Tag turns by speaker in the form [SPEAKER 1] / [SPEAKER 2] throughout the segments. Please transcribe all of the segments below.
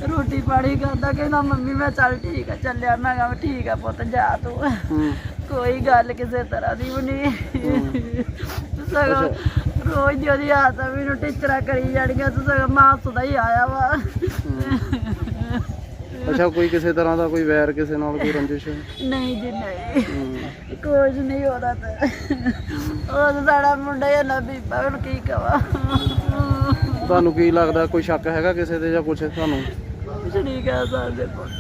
[SPEAKER 1] रोटी पानी खाता कहना मम्मी मैं चल ठीक है चलिया। मैं कहा ठीक है पुत जा तू। कोई गल किसी तरह की भी नहीं। सगों रोज दी आदत मैनू टीचर करी जानियां सगों मासू दा ही आया वा।
[SPEAKER 2] अच्छा कोई किसी तरह का कोई वैर किसी नाल कोई रंजिश?
[SPEAKER 1] नहीं जी नहीं कुछ नहीं होता। तो साड़ा मुंडा ही ना बीबा हूँ की कवा।
[SPEAKER 2] ਤੁਹਾਨੂੰ ਕੀ ਲੱਗਦਾ ਕੋਈ ਸ਼ੱਕ ਹੈਗਾ ਕਿਸੇ ਤੇ ਜਾਂ ਕੁਛ ਤੁਹਾਨੂੰ?
[SPEAKER 1] कुछ नहीं कह सकते पुत।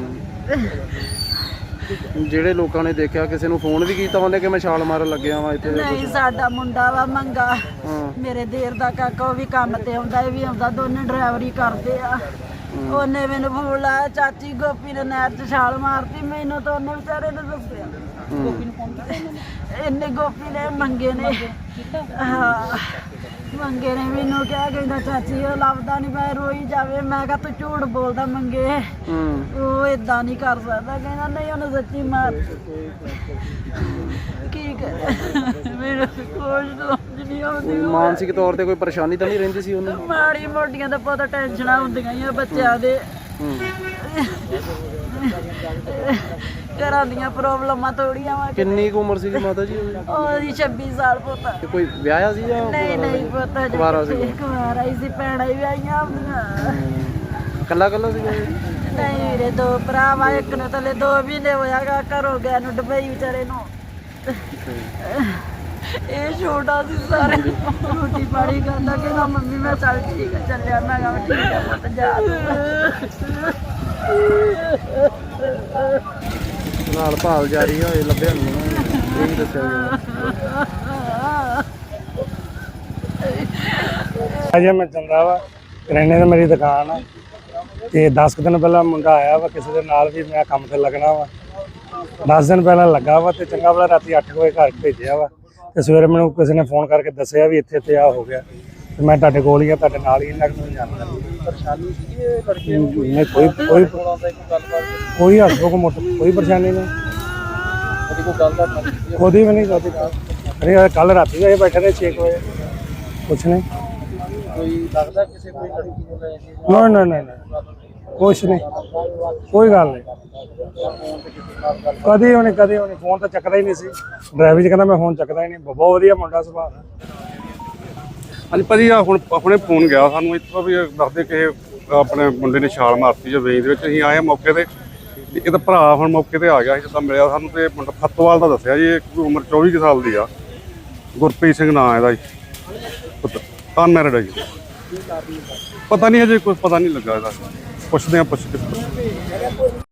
[SPEAKER 2] ਜਿਹੜੇ ਲੋਕਾਂ ਨੇ ਦੇਖਿਆ ਕਿਸੇ ਨੂੰ ਫੋਨ ਵੀ ਕੀਤਾ ਉਹਨੇ ਕਿ ਮੈਂ ਛਾਲ ਮਾਰਨ ਲੱਗਿਆ ਵਾਂ ਇੱਥੇ?
[SPEAKER 1] नहीं साडा मुंडा वा मंगा मेरे देर दा काका वो भी काम ते आउंदा ये भी आउंदा दोनों ड्राइवरी करदे आ। ਉਹਨੇ ਮੈਨੂੰ ਫੋਨ ਲਾਇਆ ਚਾਚੀ ਗੋਪੀ ਨੇ ਨਹਿਰ 'ਚ ਛਾਲ ਮਾਰਤੀ। ਮੈਨੂੰ ਤਾਂ ਉਹਨੇ ਵਿਚਾਰੇ ਨੇ ਦੱਸਿਆ। ਗੋਪੀ ਨੂੰ ਫੋਨ ਕੀਤਾ ਇਹਨੇ ਗੋਪੀ ਨੇ ਮੰਗੇ ਨੇ ਹਾਂ ਮੰਗੇ ਨੇ ਮੈਨੂੰ ਕਿਹਾ ਕਹਿੰਦਾ ਚਾਚੀ ਉਹ ਲੱਭਦਾ ਨਹੀਂ ਮੈਂ ਰੋਈ ਜਾਵੇ। ਮੈਂ ਕਿਹਾ ਤੂੰ ਝੂਠ ਬੋਲਦਾ ਮੰਗੇ ਉਹ ਇਦਾਂ ਨਹੀਂ ਕਰ ਸਕਦਾ। ਕਹਿੰਦਾ ਨਹੀਂ ਉਹਨੇ ਸੱਚੀ ਮਾਰ ਕੀ ਕਰੇ ਮੈਨੂੰ ਕੁਝ ਸਮਝ ਨਹੀਂ ਆਉਂਦੀ।
[SPEAKER 2] ਮਾਨਸਿਕ ਤੌਰ ਤੇ ਕੋਈ ਪਰੇਸ਼ਾਨੀ ਤਾਂ ਨਹੀਂ ਰਹਿੰਦੀ ਸੀ ਉਹਨੂੰ?
[SPEAKER 1] ਮਾੜੀ ਮੋਟੀਆਂ ਤਾਂ ਪਤਾ ਟੈਨਸ਼ਨਾਂ ਹੁੰਦੀਆਂ ਹੀ ਆ ਬੱਚਿਆਂ ਦੇ ਘਰਾਂ ਦੀਆਂ ਪ੍ਰੋਬਲਮਾਂ ਥੋੜੀਆਂ ਵਾ।
[SPEAKER 2] ਕਿੰਨੀ ਕੁ ਉਮਰ ਸੀ ਮਾਤਾ ਜੀ
[SPEAKER 1] ਉਹਦੀ 26 ਸਾਲ ਪੁੱਤ।
[SPEAKER 2] ਕੋਈ ਵਿਆਹਿਆ ਸੀ ਜਾਂ
[SPEAKER 1] ਨਹੀਂ ਨਹੀਂ ਪੁੱਤ
[SPEAKER 2] ਕੁਆਰਾ ਸੀ?
[SPEAKER 1] ਕੁਆਰਾ ਹੀ ਸੀ ਭੈਣਾਂ ਹੀ ਵਿਆਹੀਆਂ ਆਪਣੀਆਂ।
[SPEAKER 2] ਕੱਲਾ ਕੱਲਾ ਸੀ?
[SPEAKER 1] ਨਹੀਂ ਵੀਰੇ ਦੋ ਭਰਾ ਵਾ ਇੱਕ ਨੂੰ ਥੱਲੇ 2 ਮਹੀਨੇ ਹੋਇਆਗਾ ਘਰੋਂ ਗਿਆ ਨੂੰ ਦੁਬਈ ਵਿਚਾਰੇ ਨੂੰ। ਇਹ ਛੋਟਾ ਸੀ ਸਾਰੇ ਰੋਟੀ ਪਾਣੀ ਖਾਂਦਾ ਕਹਿੰਦਾ ਮੰਮੀ ਮੈਂ ਚੱਲ ਠੀਕ ਹੈ ਚੱਲਿਆ। ਮੈਂ ਕਿਹਾ ਠੀਕ ਹੈ ਪੁੱਤ ਜਾ।
[SPEAKER 2] ਨਾਲ ਭਾਲ ਜਾਰੀ ਹੋਏ ਲੱਭਿਆ ਨਹੀਂ ਇਹ ਦੱਸਿਆ ਗਿਆ।
[SPEAKER 3] ਅਜੇ ਮੈਂ ਚੰਗਾ ਵਾ ਕਰਿਆਨੇ ਦੀ ਮੇਰੀ ਦੁਕਾਨ ਆ ਤੇ 10 ਦਿਨ ਪਹਿਲਾਂ ਮੁੰਡਾ ਆਇਆ ਵਾ ਕਿਸੇ ਦੇ ਨਾਲ ਵੀ ਮੈਂ ਕੰਮ ਤੇ ਲੱਗਣਾ ਵਾ। 10 ਦਿਨ ਪਹਿਲਾਂ ਲੱਗਾ ਵਾ ਤੇ ਚੰਗਾ ਵਾਲਾ ਰਾਤੀ 8 ਵਜੇ ਘਰ ਭੇਜਿਆ ਵਾ ਤੇ ਸਵੇਰੇ ਮੈਨੂੰ ਕਿਸੇ ਨੇ ਫੋਨ ਕਰਕੇ ਦੱਸਿਆ ਵੀ ਇੱਥੇ ਆ ਹੋ ਗਿਆ ਤੇ ਮੈਂ ਤੁਹਾਡੇ ਕੋਲ ਹੀ ਆ ਤੁਹਾਡੇ ਨਾਲ ਹੀ ਇਹਨਾਂ ਨੂੰ ਜਾਣਦਾ।
[SPEAKER 2] ਪਰੇਸ਼ਾਨੀ ਸੀ ਇਹ ਲੜਕੇ
[SPEAKER 3] ਨਹੀਂ ਕੋਈ ਹਸਬੋ ਕੋ ਮੋਟਰ ਕੋਈ ਪਰੇਸ਼ਾਨੀ ਨਹੀਂ
[SPEAKER 2] ਕੋਈ ਗੱਲ ਦਾ
[SPEAKER 3] ਉਹਦੀ ਵੀ ਨਹੀਂ ਕਦੀ। ਅਰੇ ਕੱਲ ਰਾਤੀ ਇਹ ਬੈਠੇ ਨੇ 6 ਵਜੇ ਕੁਛ ਨਹੀਂ।
[SPEAKER 2] ਕੋਈ ਲੱਗਦਾ ਕਿਸੇ ਕੋਈ ਲੜਕੀ ਨੂੰ ਲੈ ਕੇ?
[SPEAKER 3] ਨਾ ਨਾ ਨਾ ਕੁਛ ਨਹੀਂ ਕੋਈ ਗੱਲ ਨਹੀਂ। ਕਦੇ ਉਹਨੇ ਫੋਨ ਤਾਂ ਚੱਕਦਾ ਹੀ ਨਹੀਂ ਸੀ। ਡਰਾਈਵਰ ਜੀ ਕਹਿੰਦਾ ਮੈਂ ਫੋਨ ਚੱਕਦਾ ਹੀ ਨਹੀਂ। ਬਹੁਤ ਵਧੀਆ ਮੁੰਡਾ ਸੁਭਾਅ ਦਾ।
[SPEAKER 4] ਹਾਂਜੀ ਭਾਜੀ ਆ ਹੁਣ ਆਪਣੇ ਫੋਨ ਗਿਆ ਸਾਨੂੰ ਇੱਥੋਂ ਵੀ ਦੱਸਦੇ ਕਿ ਆਪਣੇ ਮੁੰਡੇ ਨੇ ਛਾਲ ਮਾਰਤੀ ਜੋ ਵੇਈ ਦੇ ਵਿੱਚ। ਅਸੀਂ ਆਏ ਮੌਕੇ ਤੇ ਇਹ ਤਾਂ ਭਰਾ ਹੁਣ ਮੌਕੇ ਤੇ ਆ ਗਿਆ ਸੀ ਜਿੱਦਾਂ ਮਿਲਿਆ ਸਾਨੂੰ ਤੇ ਮੁੰਡਾ ਫੱਤਵਾਲ ਦਾ ਦੱਸਿਆ ਜੀ। ਉਮਰ 24 ਸਾਲ ਦੀ ਆ। ਗੁਰਪ੍ਰੀਤ ਸਿੰਘ ਨਾਂ ਇਹਦਾ ਜੀ। ਅਨਮੈਰਿਡ ਹੈ ਜੀ। ਪਤਾ ਨਹੀਂ ਹਜੇ ਕੁਝ ਪਤਾ ਨਹੀਂ ਲੱਗਾ ਇਹਦਾ। ਪੁੱਛਦੇ ਆ ਪੁੱਛ ਕੇ।